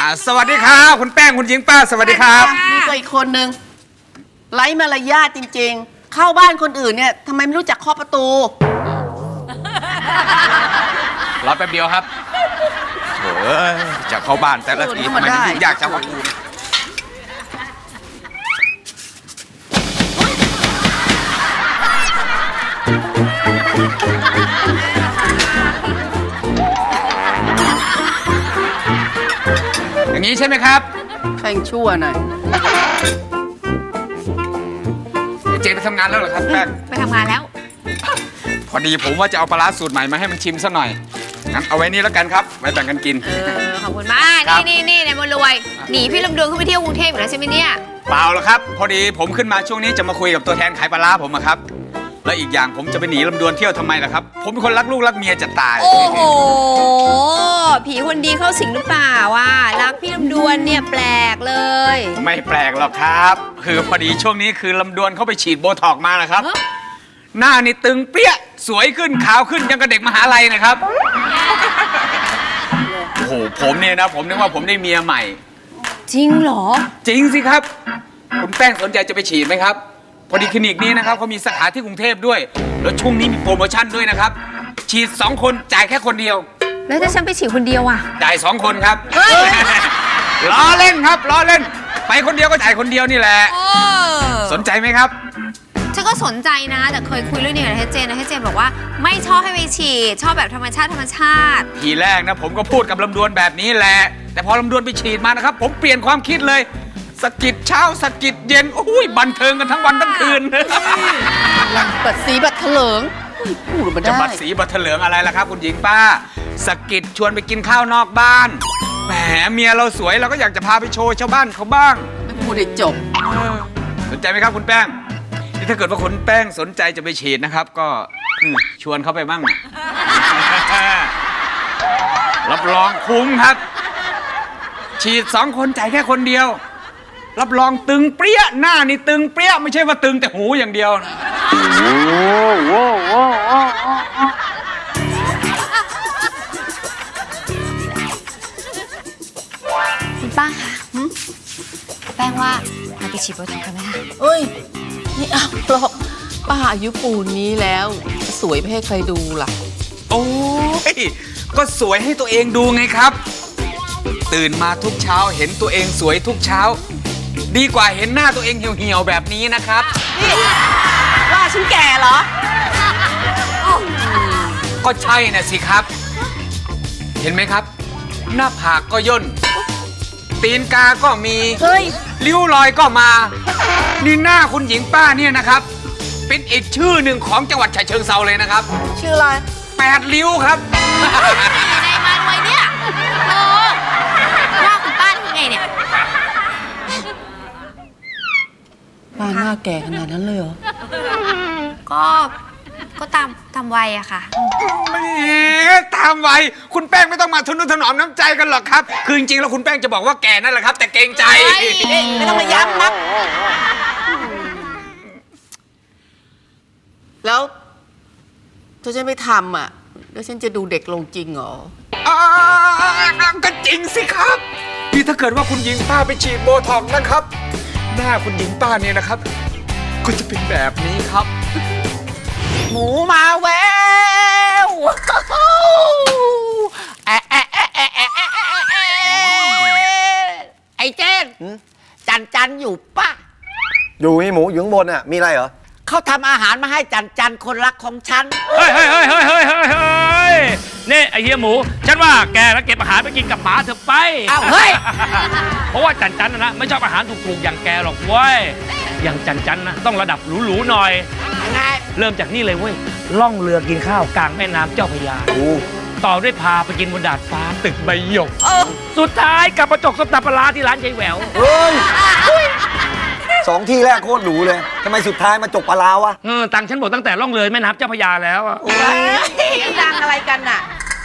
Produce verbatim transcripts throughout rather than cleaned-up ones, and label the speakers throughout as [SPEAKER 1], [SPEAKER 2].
[SPEAKER 1] สวัสดีครับคุณแป้งคุณหญิงป้าสวัสดีครับ
[SPEAKER 2] นี่ก็อีกคนนึงไร้มารยาทจริงๆเข้าบ้านคนอื่นเนี่ยทำไมไม่รู้จักเคาะประตู
[SPEAKER 1] รอแป๊บเดียวครับโอ้ยจะเข้าบ้านแต่ละทีทำไมมันยุ่งยากจังวะอย่างนี้ใช่ไหมครับ
[SPEAKER 2] แข่งชั่วหน่อย
[SPEAKER 1] เจนไปทำงานแล้วเหรอครับแป้ง
[SPEAKER 3] ไปทำงานแล้ว
[SPEAKER 1] พอดีผมว่าจะเอาปลาร้าสูตรใหม่มาให้มันชิมซะหน่อยงั้นเอาไว้นี่แล้วกันครับไว้แบ่งกันกิน
[SPEAKER 3] เออขอบคุณมากนี่นี่นี่นายบุญรวยหนีพี่ลำดวนขึ้นไปเที่ยวกรุงเทพอยู่แล้วใช่ไหมเนี่ย
[SPEAKER 1] เปล่าหรอกครับพอดีผมขึ้นมาช่วงนี้จะมาคุยกับตัวแทนขายปลาร้าผมอะครับแล้วอีกอย่างผมจะไปหนีลำดวนเที่ยวทำไมล่ะครับผมเป็นคนรักลูกรักเมียจะตาย
[SPEAKER 3] โอ้โหผีคนดีเข้าสิงหรือเปล่าว่ะรักพี่ลำดวนเนี่ยแปลกเลย
[SPEAKER 1] ไม่แปลกหรอกครับคือพอดีช่วงนี้คือลำดวนเขาไปฉีดโบท็อกมานะครับหน้านี่ตึงเปี้ยสวยขึ้นขาวขึ้นยังกับเด็กมหาลัยนะครับโอ้โหผมเนี่ยนะผมนึกว่าผมได้เมียใหม่
[SPEAKER 3] จริงเหรอ
[SPEAKER 1] จริงสิครับคุณแป้งสนใจจะไปฉีดไหมครับพอดีคลินิกนี้นะครับเขามีสาขาที่กรุงเทพด้วยแล้วช่วงนี้มีโปรโมชั่นด้วยนะครับฉีดสองคนจ่ายแค่คนเดียว
[SPEAKER 3] แล้วถ้าฉันไปฉีดคนเดียวอ่ะ
[SPEAKER 1] จ่ายสองคนครับล้อเล่นครับล้อเล่นไปคนเดียวก็จ่ายคนเดียวนี่แหละสนใจไหมครับ
[SPEAKER 3] ฉันก็สนใจนะแต่เคยคุยเรื่องนี้กับเฮเจนนะเฮเจนบอกว่าไม่ชอบให้ไปฉีดชอบแบบธรรมชาติธรรมชาติ
[SPEAKER 1] ทีแรกนะผมก็พูดกับลำดวนแบบนี้แหละแต่พอลำดวนไปฉีดมานะครับผมเปลี่ยนความคิดเลยสกิดเช้าสกิดเย็นโอ้ยบันเทิงกันทั้งวันทั้งคืน
[SPEAKER 2] บัดสีบัดเถลิงพูดมาได้
[SPEAKER 1] จะบัดสีบัดเถลิงอะไรล่ะครับคุณหญิงป้าสกิดชวนไปกินข้าวนอกบ้านแหมเมียเราสวยเราก็อยากจะพาไปโชว์ชาวบ้านเขาบ้าง
[SPEAKER 2] ไม่พูดให้จบ
[SPEAKER 1] สนใจไหมครับคุณแป้งนี่ถ้าเกิดว่าคุณแป้งสนใจจะไปฉีดนะครับก็ชวนเขาไปบ้างรับรองคุ้มครับฉีดสองคนจ่ายแค่คนเดียวรับรองตึงเปรี้ยหน้านี่ตึงเปรี้ยไม่ใช่ว่าตึงแต่หูอย่างเดียว
[SPEAKER 3] คุณป้าคะแป้งว่าเราไปฉีดโบท็อกซ์กันไหมคะ
[SPEAKER 2] เอ้ยนี่เอาหรอกป้าอายุปูนนี้แล้วจะสวยไปให้ใครดูล่ะ
[SPEAKER 1] โอ้ยก็สวยให้ตัวเองดูไงครับตื่นมาทุกเช้าเห็นตัวเองสวยทุกเช้าดีกว่าเห็นหน้าตัวเองเหี่ยวๆแบบนี้นะครับ
[SPEAKER 2] นี่ว่าฉันแก่เหรอ
[SPEAKER 1] ก็ใช่นะสิครับเห็นไหมครับหน้าผากก็ย่นตีนกาก็มี
[SPEAKER 2] เฮ้ย
[SPEAKER 1] ริ้วรอยก็มานี่หน้าคุณหญิงป้าเนี่ยนะครับเป็นอีกชื่อหนึ่งของจังหวัดฉะเชิงเทราเลยนะครับ
[SPEAKER 2] ชื่ออะไร
[SPEAKER 1] แปดริ้วครับ
[SPEAKER 3] ในมาด้วยเนี่ยโอ้ว่าคุณป้าทำไงเนี่ย
[SPEAKER 2] ป้าหน้าแก่ขนาดนั้นเลยเหรอ
[SPEAKER 3] ก็ก็ตามตามวัยอะค่ะ
[SPEAKER 1] แหมตามวัยคุณแป้งไม่ต้องมาทนุถนอมน้ำใจกันหรอกครับคือจริงๆแล้วคุณแป้งจะบอกว่าแก่นั่นแหละครับแต่เกรงใจ
[SPEAKER 2] ไม่ต้องมาย้ำนักแล้วถ้าฉันไม่ทำอ่ะแล้วฉันจะดูเด็กลงจริงเหรอ
[SPEAKER 1] ก็จริงสิครับนี่ถ้าเกิดว่าคุณหญิงป้าไปฉีดโบท็อกซ์นะครับหน้าคุณหญิงป้าเนี่ยนะครับก็จะเป็นแบบนี้ครับ
[SPEAKER 2] หมูมาแววไอ้เจนจันจันอยู่ป่ะ
[SPEAKER 4] อยู่มีหมูอยู่ข้างบนอ่ะมีอะไรเหรอ
[SPEAKER 2] เขาทำอาหารมาให้จันจันคนรักของฉัน
[SPEAKER 5] เฮ้ยเฮ้ยเฮ้ยเฮ้ยเฮ้ยเฮ้ยนี่ไอเฮียหมูฉันว่าแกแล้วเก็บอาหารไปกินกับหมาเถอะไป
[SPEAKER 2] อ้าวเฮ้ย
[SPEAKER 5] เพราะว่าจันจันนะไม่ชอบอาหารถูกๆอย่างแกหรอกเว้ยอย่างจันจันนะต้องระดับหรูๆหน่อย
[SPEAKER 2] ยังไง
[SPEAKER 5] เริ่มจากนี่เลยเว้ยล่องเรือกินข้าวกลางแม่น้ำเจ้าพระยาต่อด้วยพาไปกินบนดาดฟ้าตึกใบหยกสุดท้ายกับประจกส้มตำปลาที่ร้านยายแหวว
[SPEAKER 4] เฮ้ยสองที่แรกโคตรหรูเลยทำไมสุดท้ายมาจกปลาวะ
[SPEAKER 5] เออตังฉันบอกตั้งแต่ล่องเรือแม่น้ำเจ้าพระยาแล้วอ่ะ
[SPEAKER 2] ดังอะไรกันน่ะ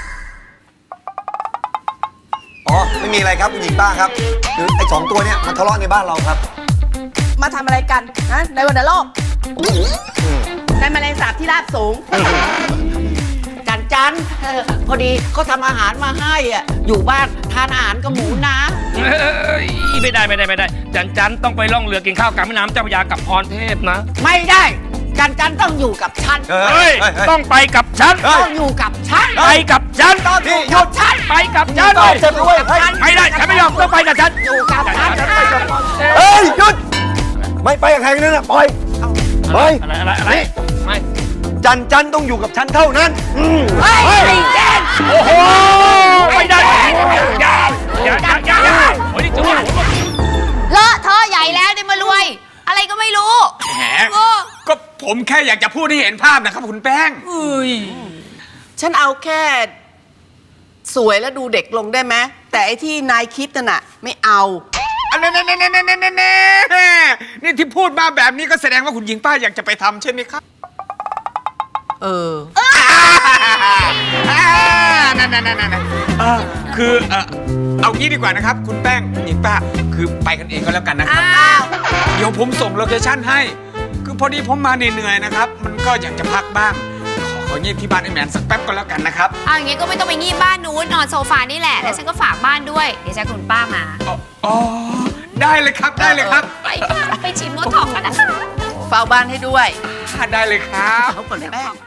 [SPEAKER 4] อ๋อไม่มีอะไรครับคุณหญิงป้าครับคือไอ้สองตัวเนี้ยมันทะเลาะในบ้านเราครับ
[SPEAKER 2] มาทำอะไรกันนะในวันโลกในแมลงสาบที่ราบสูงจันจัจันเออพอดีเขาทำอาหารมาให้อ่ะอยู่บ้านทานอาหารกับหมูนะ
[SPEAKER 5] เอ้ยไม่ได้ไม่ได้ไม่ได้ จันจันต้องไปล่องเรือกินข้าวกลางแม่น้ำเจ้าพระยากับพรเทพนะ
[SPEAKER 2] ไม่ได้ จันจันต้องอยู่กับฉัน
[SPEAKER 4] เออ
[SPEAKER 5] เฮ้ย
[SPEAKER 4] เฮ้ยเฮ้ย
[SPEAKER 5] ต้องไปกับฉัน
[SPEAKER 4] เฮ้ย
[SPEAKER 2] ต้องอยู่กับฉัน
[SPEAKER 5] ไปกับฉัน
[SPEAKER 2] ต้องอยู่กับฉัน
[SPEAKER 5] ไปกับฉัน
[SPEAKER 4] ตอบฉันด้วยเฮ้ย
[SPEAKER 5] ไม่ได้ฉันไม่ยอมต้องไปกับฉัน
[SPEAKER 2] อยู่กับฉัน
[SPEAKER 4] เฮ้ยหยุดไม่ไปกับใครนั่นน่ะปล่อยปล่อย
[SPEAKER 5] อะไรอะไรอะไรไม่
[SPEAKER 4] จันจันต้องอยู่กับฉันเท่านั้นอืม
[SPEAKER 2] เฮ้ยไอ้เจน
[SPEAKER 5] โอ้โหไม่ได้อย่าอย่าอย่าอย่าอย่าโอ้ยนี่จะว่า
[SPEAKER 3] เลอะเทอะใหญ่แล้วเนี่ยมารวย อะไรก็ไม่รู้
[SPEAKER 1] แหม
[SPEAKER 3] โอ้
[SPEAKER 1] ก็ผมแค่อยากจะพูดให้เห็นภาพนะครับคุณแป้ง
[SPEAKER 2] ฉันเอาแค่สวยแล้วดูเด็กลงได้ไหมแต่ไอ้ที่นายคิดน่ะไม่เอา
[SPEAKER 1] อันนั้นๆๆๆๆๆนี่ที่พูดมาแบบนี้ก็แสดงว่าคุณหญิงป้าอยากจะไปทำใช่ไหมครับ
[SPEAKER 2] เออ
[SPEAKER 1] นั่นนั่นนั่นนั่นคือเออเอางี้ดีกว่านะครับ คุณแป้งคุณหญิงป้าคือไปกันเองก็แล้วกันนะครับ
[SPEAKER 3] อ้าว
[SPEAKER 1] เดี๋ยวผมส่งโลเคชั่นให้ คือพอดีผมมาเหนื่อยๆนะครับ มันก็อยากจะพักบ้าง ขอขอเงียบที่บ้านไอ้แมนสักแป๊บก็แล้วกันนะครับ
[SPEAKER 3] เอาอย่างงี้ก็ไม่ต้องไปงีบบ้านนู้นนอนโซฟานี่แหละ แล้วฉันก็ฝากบ้านด้วย เดี๋ยวจะให้คุณป้ามา
[SPEAKER 1] อ๋ออ๋อได้เลยครับได้เลยครับ
[SPEAKER 3] ไปค่ะไปชิมรสทองกันนะคะ
[SPEAKER 2] เฝ้าบ้านให้ด้วย
[SPEAKER 1] ได้เลยครับ
[SPEAKER 2] เอาก่อนแป้ง